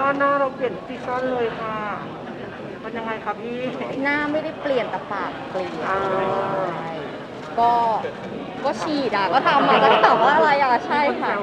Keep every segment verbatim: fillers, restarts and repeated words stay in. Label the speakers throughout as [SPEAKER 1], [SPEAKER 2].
[SPEAKER 1] ซ่อนหน้าเราเปลี่ยนซีซั่นเลยค่ะมันยังไงครับพี่
[SPEAKER 2] หน้าไม่ได้เปลี่ยนแต่ปากเปลี่ยน
[SPEAKER 1] อ่า
[SPEAKER 2] ก็ก็ฉีดอ่ะก็ทำมาแล้วก็ถามว่าอะไรอ่ะใช่ค่ะ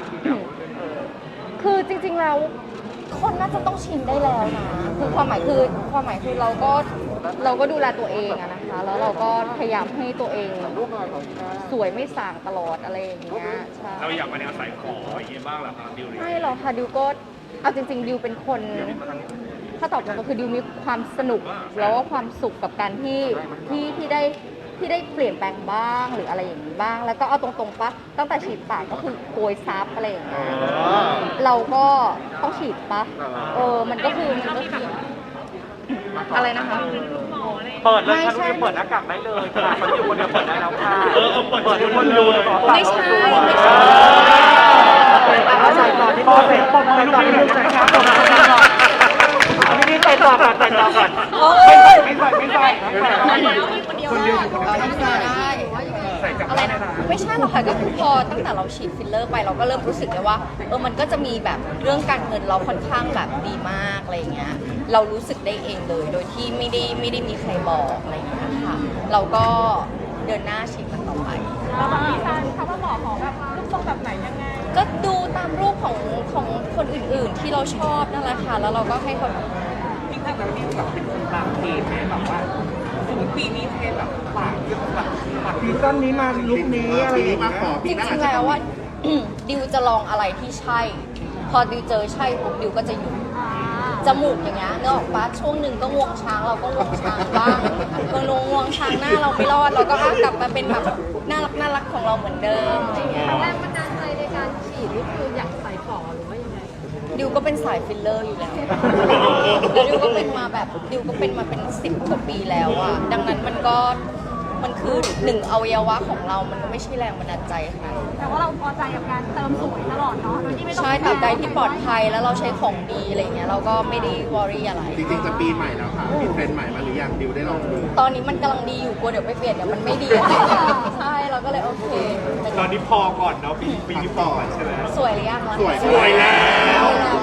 [SPEAKER 2] คือจริงๆแล้วคนน่าจะต้องชินได้แล้วนะคือความหมายคือความหมายคือเราก็เราก็ดูแลตัวเองอะนะคะแล้วเราก็พยายามให้ตัวเองสวยไม่ส่างตลอดอะไรอย่างเงี้ยใช่
[SPEAKER 3] เราอยากมาแนวสายขออย่างเงี้ยบ้างเหรอครับดิว
[SPEAKER 2] ไม่หรอกค่ะดิวก็เอาจริงๆดิวเป็นคนถ้าตอบตรงก็คือดิวมีความสนุกแล้วก็ความสุขกับการที่ที่ที่ได้ที่ได้เปลี่ยนแปลงบ้างหรืออะไรอย่างนี้บ้าง แล้วก็เอาตรงๆปะตั้งแต่ฉีดปากก็คือโกยซับอะไรอย่างเงี้ยเราก็ต้องฉีดปะเออมันก็คือมันก็คืออะไรนะคะ
[SPEAKER 1] เปิดเลยค่ะทุกคนเปิดหน้ากากได้เลยค่ะมันอยู่คนเดียวเปิดได้แล้วค่ะเออเปิดทุกคนดู
[SPEAKER 2] ไม่ใช่ไม่ใช่
[SPEAKER 1] เอาใส่ก่อนที่โบเสร็จปมใส่ก่อนที่ลูกใส่ครับผมเอาพี่นี่ใส่ต่อก่อนใส่ต่อก่อนไม่ใส่ไม่ใส่ไม่ใส่ไม่ใส่คนเดียวอยู่คนเดียว
[SPEAKER 2] ได้อะไรนะไม่ใช่หรอกค่ะก็คือพอตั้งแต่เราฉีดฟิลเลอร์ไปเราก็เริ่มรู้สึกเลยว่าเออมันก็จะมีแบบเรื่องการเงินเราค่อนข้างแบบดีมากอะไรเงี้ยเรารู้สึกได้เองเลยโดยที่ไม่ได้ไม่ได้มีใครบอกอะไรเงี้ยค่ะเราก็เดินหน้าฉีดมันต่อไป
[SPEAKER 4] แล้วแบบมีการคำว่าหมอขอแบบรูปทรงแบบไหนยังไง
[SPEAKER 2] ก็ดูตามรูปของของคนอื่นๆที่เราชอบนั่นแหละค่ะแล้วเราก็ให้เขา
[SPEAKER 1] พี่ถ้าแบบนี้แบบเป็นคนตามเทรนไหมแบบว่าสมมติปีนี้เทรนแบบปากแบบปากซีซั่นนี้มาลุคนี้อะไรอย่างเงี้ย
[SPEAKER 2] จริงๆแล้วว่า ดิวจะลองอะไรที่ใช่พอดิวเจอใช่ปุ๊บดิวก็จะหยุดจมูกอย่างเงี้ยเนื้อออกปะช่วงหนึ่งก็งวงช้างเราก็งวงช้างบ้างพอลงงวงช้างหน้าเราไม่รอดเราก็กลับมาเป็นแบบน่ารักน่ารักของเราเหมือนเดิมอะไรเงี้ย
[SPEAKER 4] แรงบันดาลใจในการฉีดนี่คืออยากใส่ฝอหรือว่ายังไง
[SPEAKER 2] ดิวก็เป็นสายฟิลเลอร์อยู่แล้วแล้วดิวก็เป็นมาแบบดิวก็เป็นมาเป็นสิบกว่าปีแล้วอะดังนั้นมันก็มันคือหนึ่งอวัยวะของเรามันก็ไม่ใช่แรงบันดาลใจขนาดนั้น
[SPEAKER 4] แต่ว่าเราพอใจกับการเติมสวยตลอดเนาะโดยที่ไม่ต้อง
[SPEAKER 2] ใช่ตราบใดที่ปลอดภัยแล้วเราใช้ของดีอะไรเงี้ยเราก็ไม่ได้วอรี่อะไร
[SPEAKER 5] จริงๆจะปีใหม่แล้วค่ะมีเทรนด์ใหม่มาหรือยังดิวได้ลองดู
[SPEAKER 2] ตอนนี้มันกำลังดีอยู่กลัวเดี๋ยวไปเปลี่ยนเดี๋ยวมันไม่ดีใช่เราก็เลยโอเค
[SPEAKER 3] ตอนนี้พอก่อนเนาะปีปีนี้พอใช่ไหม
[SPEAKER 2] สวยหรือยังล่ะ
[SPEAKER 5] สวย
[SPEAKER 3] สวยแล้ว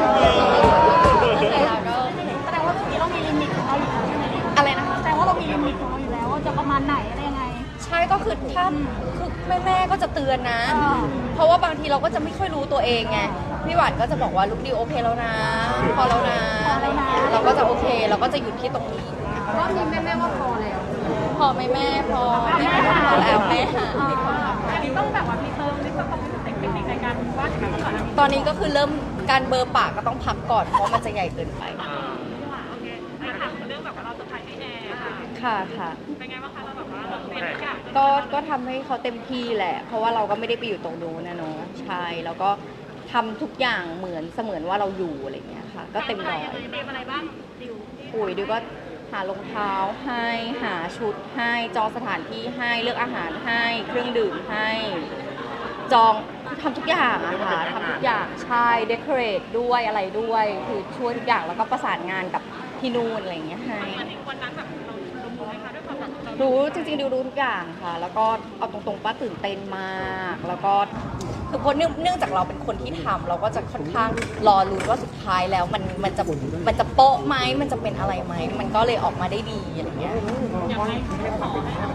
[SPEAKER 4] แสดงว่าเรื่องนี้เรามีลิมิตของเราอยู่แล้วใช่ไหม
[SPEAKER 2] อะไรนะคะ
[SPEAKER 4] แสดงว่าเรามีลิมิตของเราอยู่แล้วว่าจะประมาณไหนอะไรยังไง
[SPEAKER 2] ใช่ก็คือถ้าคือแม่แม่ก็จะเตือนนะเพราะว่าบางทีเราก็จะไม่ค่อยรู้ตัวเองไงพี่หวานก็จะบอกว่าลูกดิวโอเคแล้วนะพอแล้วนะเราก็จะโอเคเราก็จะหยุดที่ตรงนี้
[SPEAKER 4] รอบนี้แม่แม่ว่าพอแล้ว
[SPEAKER 2] พอไหมแม่พอแม่พอแล้วแม่หา
[SPEAKER 4] อันนี้ต้องแบบว่ามีเติมนี่ต้องมีเทคนิคในการวาดก่อน
[SPEAKER 2] ตอนนี้ก็คือเริ่มการเบอร์ปากก็ต้องพักก่อนเพราะมันจะใหญ่เกินไป
[SPEAKER 4] โอเคถามเรื่องแบบว่าเราจะถ่ายให้แอร์ค่ะ
[SPEAKER 2] ค่ะค่ะ
[SPEAKER 4] เป็นไงบ้างคะเราแบบว่าเราเป็นทุกอย่าง
[SPEAKER 2] ก็ก็ทำให้เขาเต็มที่แหละเพราะว่าเราก็ไม่ได้ไปอยู่ตรงนู้นนะเนาะใช่แล้วก็ทำทุกอย่างเหมือนเสมือนว่าเราอยู่อะไรเงี้ยค่ะก็เต็มร้อย
[SPEAKER 4] เตรียมอะไรบ้างดิว
[SPEAKER 2] ปุ๋ยดิวก็หารองเท้าให้หาชุดให้จองสถานที่ให้เลือกอาหารให้เครื่องดื่มให้จองทำทุกอย่างอะค่ะทำทุกอย่างใช่เดคอเรทด้วยอะไรด้วยคือช่วยทุกอย่างแล้วก็ประสานงานกับที่นู่นอะไรอย่างเงี้ยให้
[SPEAKER 4] วันนั้นแบบเรารู้ไหมคะด้วยความแบบ
[SPEAKER 2] รู้จริงๆดิวรู้ทุกอย่างค่ะแล้วก็เอาตรงๆป้าตื่นเต้นมากแล้วก็คือเพราะเนื่องจากเราเป็นคนที่ทำเราก็จะค่อนข้างรอลุ้นว่าสุดท้ายแล้วมันมันจะมันจะโป๊ะไหมมันจะเป็นอะไรไหมมันก็เลยออกมาได้ดีอะไรเงี้ย
[SPEAKER 4] อย่างไรไม่ขอ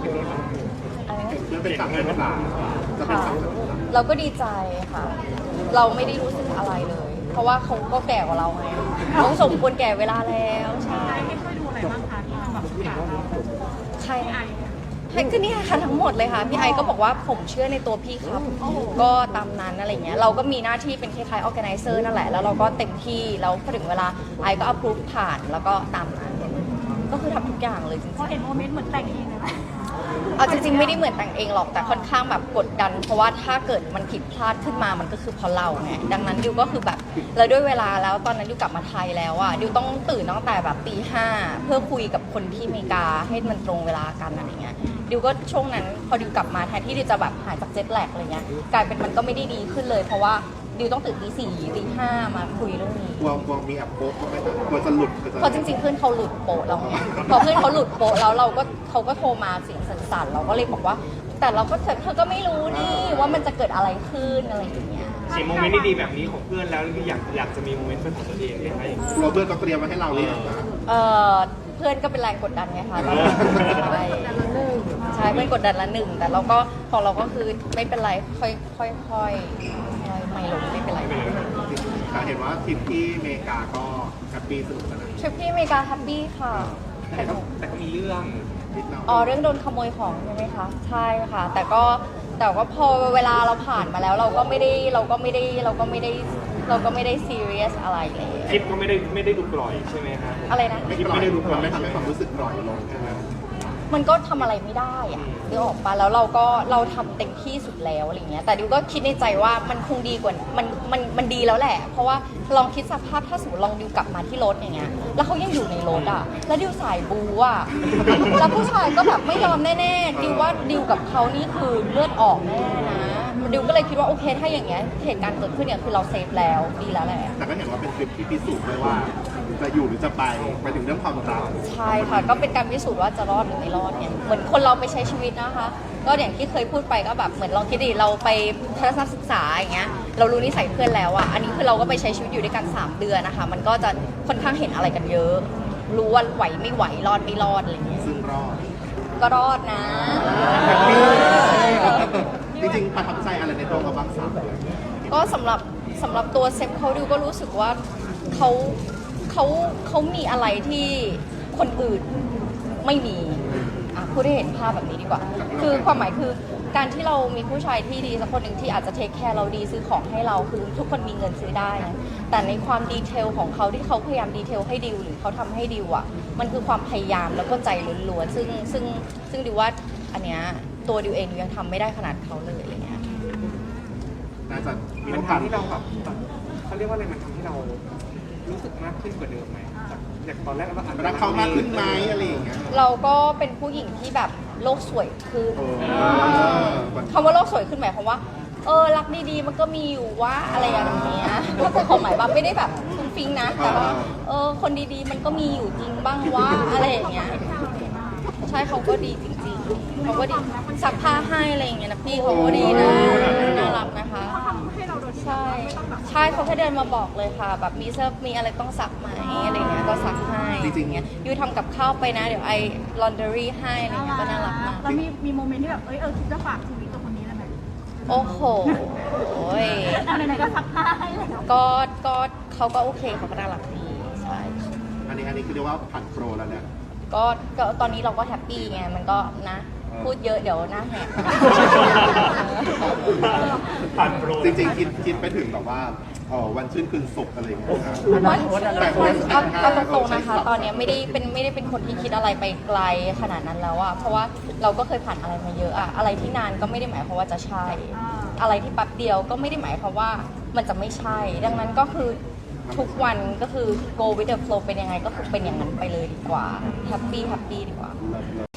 [SPEAKER 5] มันเป็นสั่งเป็นภาษาจะเป็นสั่งเป็นภาษา
[SPEAKER 2] เราก็ดีใจค่ะเราไม่ได้รู้สึกอะไรเลย เพราะว่าเขาก็แก่กว่าเราไงต้องสมควรแก่เวลาแล้วใช่
[SPEAKER 4] ไม่ค่อยดูอะไรบ้างคะที่มันแบบ
[SPEAKER 2] ใครให้ก็นี่ค่ะทั้งหมดเลยค่ะพี่ไอก็บอกว่าผมเชื่อในตัวพี่ครับก็ตามนั้นอะไรเงี้ยเราก็มีหน้าที่เป็นคล้ายๆ organizer นั่นแหละแล้วเราก็เต็มที่แล้วพอถึงเวลาไอก็ approve ผ่านแล้วก็ตามนั้นก็คือทำทุกอย่างเลยจริงๆ
[SPEAKER 4] พอเห็นโมเมนต์เหมือนแต่งเองเลย
[SPEAKER 2] เอาจริงๆไม่ได้เหมือนแต่งเองหรอกแต่ค่อนข้างแบบกดดันเพราะว่าถ้าเกิดมันผิดพลาดขึ้นมามันก็คือเพราะเราไงดังนั้นดิวก็คือแบบแล้วด้วยเวลาแล้วตอนนั้นดิวกลับมาไทยแล้วอ่ะดิวต้องตื่นตั้งแต่แบบตีห้าเพื่อคุยกับคนที่อเมริกาให้มันตรงเวลากันอะไรเงี้ยดิวก็ช่วงนั้นพอดิวกลับมาแทนที่ดิวจะแบบหายจากเจ็ตแลกอะไรเงี้ยกลายเป็นมันก็ไม่ได้ดีขึ้นเลยเพราะว่าดิวต้องตื่นตีสี่ตีห้ามาคุยเรื่องนี้
[SPEAKER 5] กลัวกลัวมีแอบโป๊ะไหมคะกลัวจะหลุด
[SPEAKER 2] เพราะจริงๆเพื่อนเขาหลุดโป๊ะเราไงพอเพื่อนเขาหลุดโป๊ะแล้วเราก็เขาก็โทรมาเสียงสั่นๆเราก็เลยบอกว่าแต่เราก็เธอก็ไม่รู้นี่ว่ามันจะเกิดอะไรขึ้นอะไรอย่างเงี้ย
[SPEAKER 3] ฉีโมเมนต์ดีๆแบบนี้ของเพื่อนแล้วอยากอยากจะมีโมเมนต์เป็นของตัวเองไหมคะอย่างนี้
[SPEAKER 5] เราเพื่อนก็เตรียมไว้ให้เราเลยงนะ
[SPEAKER 2] เออเพื่อนก็เป็นแรงกดดันไงคะเราใช่ใช่เพื่อนกดดันละหนึ่งแต่เราก็ของเราก็คือไม่เป็นไรค่อยค่อยค่อยค่อยไม่ลงไม่เป็นไร
[SPEAKER 5] แต่เห็นว่าทริปที่อเมริกาก็แฮปปี้สนุกสนาน
[SPEAKER 2] ทริปที่อเมริกาแฮปปี้ค่ะ
[SPEAKER 3] แต่ก็แต่ก็มีเรื่อง
[SPEAKER 5] นิดหน่อย
[SPEAKER 2] อ๋อเรื่องโดนขโมยของใช่ไหมคะใช่ค่ะ แต่ก็แต่ก็พอเวลาเราผ่านมาแล้วเราก็ไม่ได้เราก็ไม่ได้เราก็ไม่ได้เราก็ไม่ได้ซีเรียสอะไรเลย
[SPEAKER 3] คลิปก็ไม่ได้ไม่ได้ดูกล่อยใช่ไหมครับ
[SPEAKER 2] อะไรนะ
[SPEAKER 5] ไม่ปล่อยมันไม่ทำให้ความรู้สึกปล่อยลงใช่ไหม
[SPEAKER 2] มันก็ทำอะไรไม่ได้อะนึกออกปะแล้วเราก็เราทำเต็มที่สุดแล้วอะไรเงี้ยแต่ดิวก็คิดในใจว่ามันคงดีกว่ามันมันมันดีแล้วแหละ เพราะว่าลองคิดสภาพถ้าสมมติลองดิวกลับมาที่รถอย่างเงี้ยแล้วเขายังอยู่ในรถอ่ะแล้วดิวสายบูอ่ะแล้วผู้ชายก็แบบไม่ยอมแน่ๆดิวว่าดิวกับเขานี่คือเลือดออกแน่นะดิวก็เลยคิดว่าโอเคถ้าอย่างเงี้ยเหตุการณ์เกิดขึ้นเนี่ยคือเราเซฟแล้วดีแล้วแหละ
[SPEAKER 5] แต่ก็เห็นว่าเป็นทริปที่พิสูจน์ด้วยว่าจะอยู่หรือจะไปไปถึงเรื่องความรัก
[SPEAKER 2] ใช่ค่ะ ก็เป็นการพิสูจน์ว่าจะรอดหรือไม่รอดเนี่ยเหมือนคนเราไปใช้ชีวิตนะคะ ก็อย่างที่เคยพูดไปก็แบบเหมือนลองคิดดิเราไปทัศนศึกษาอย่างเงี้ยเรารู้นิสัยเพื่อนแล้วอ่ะอันนี้คือเราก็ไปใช้ชีวิตอยู่ด้วยกันสามเดือนนะคะ มันก็จะค่อนข้างเห็นอะไรกันเยอะ รู้ว่าไหวไม่ไหวรอดไม่รอดอะไรเงี้ย
[SPEAKER 5] ซึ่งรอด
[SPEAKER 2] ก็รอดนะ
[SPEAKER 5] จริงๆประทับใจอะไรในตัวเขาบ้างสามเดือน
[SPEAKER 2] ก็สำหรับสำหรับตัวเซฟเขาดูก็รู้สึกว่าเขาเขาเขามีอะไรที่คนอื่นไม่มีอ่ะพูดให้เห็นภาพแบบนี้ดีกว่า คือความหมายคือการที่เรามีผู้ชายที่ดีสักคนหนึ่งที่อาจจะเทคแคร์เราดีซื้อของให้เราคือทุกคนมีเงินซื้อได้นะแต่ในความดีเทลของเขาที่เขาพยายามดีเทลให้ดิวหรือเขาทำให้ดิวอ่ะมันคือความพยายามแล้วก็ใจล้วนๆซึ่งซึ่งซึ่งดิวว่าอันเนี้ยตัวดิวเองดิวยังทำไม่ได้ขนาดเขาเลยอะไรเงี้ย
[SPEAKER 5] น่าจะมี
[SPEAKER 3] มัน
[SPEAKER 5] โอกาส
[SPEAKER 3] ทำให้เราแบบเขาเรียกว่าอะไรมันทำให้เรารู้สึกมากขึ้นกว่าเดิมไหมจากจากตอนแรกเราอาจจะ
[SPEAKER 5] รักเขามากขึ้นไหมอะไรอย่างเงี้ย
[SPEAKER 2] เราก็เป็นผู้หญิงที่แบบโลกสวยขึ้น
[SPEAKER 5] โอ้
[SPEAKER 2] คำว่าโลกสวยขึ้นหมายความว่า เออรักดีๆมันก็มีอยู่ว่าอะไรอย่างเงี้ยถ้าเป็นความหมายแบบไม่ได้แบบฟุ้งฟิ้งนะ แต่ว่าเออคนดีๆมันก็มีอยู่จริงบ้างว่าอะไรอย่างเงี้ย ใช่เขาก็ดีจริงๆเขาก็ดีซักผ้าให้อะไรอย่างเงี้ยนะพี่เขาก็ดีนะน่ารักนะคะ
[SPEAKER 4] ให้เราโดยที่
[SPEAKER 2] ใช่ ใช่เขาแค่เดินมาบอกเลยค่ะ แบบมีเสื้อมีอะไรต้องซักไหมอะไรเงี้ยก็ซักให้อย่างเงี้ยยูทำกับข้าวไปนะเดี๋ยวไอลอนเดอรี่ให้อะไรเงี้ยก็น่ารักมาก
[SPEAKER 4] แล้วมีมีโมเมนต์ที่แบบเอ้ยเออคิดจะฝากชีวิตกับคนนี้ได้ไหม
[SPEAKER 2] โอ้โหย
[SPEAKER 4] เอาไหนๆก็ซักผ้าให้แล้ว
[SPEAKER 2] ก็ก็เขาก็โอเคเขาก็น่ารักดีใช่
[SPEAKER 5] อันนี้อันนี้คือเรียกว่าผ่านโปรแล้วเนี่ย
[SPEAKER 2] ก็ก็ตอนนี้เราก็แฮปปี้ไงมันก็นะ พูดเยอะเดี๋ยวหน้าแหก
[SPEAKER 3] ผ่านโปร
[SPEAKER 5] จริงๆคิดคิดไปถึงแบบว่าเออวันชื่นคืนสุขอะไรอย่างเงี้ยครับ
[SPEAKER 2] วันเอาเอาตรงๆนะคะ ตอนเนี้ยไม่ได้เป็นไม่ได้เป็นคนที่คิดอะไรไปไกลขนาดนั้นแล้วอะเพราะว่าเราก็เคยผ่านอะไรมาเยอะอะอะไรที่นานก็ไม่ได้หมายความว่าจะใช่ อะไรที่แป๊บเดียวก็ไม่ได้หมายความว่ามันจะไม่ใช่ ดังนั้นก็คือทุกวันก็คือ go with the flow เป็นยังไงก็คือเป็นอย่างนั้นไปเลยดีกว่า happy happy ดีกว่า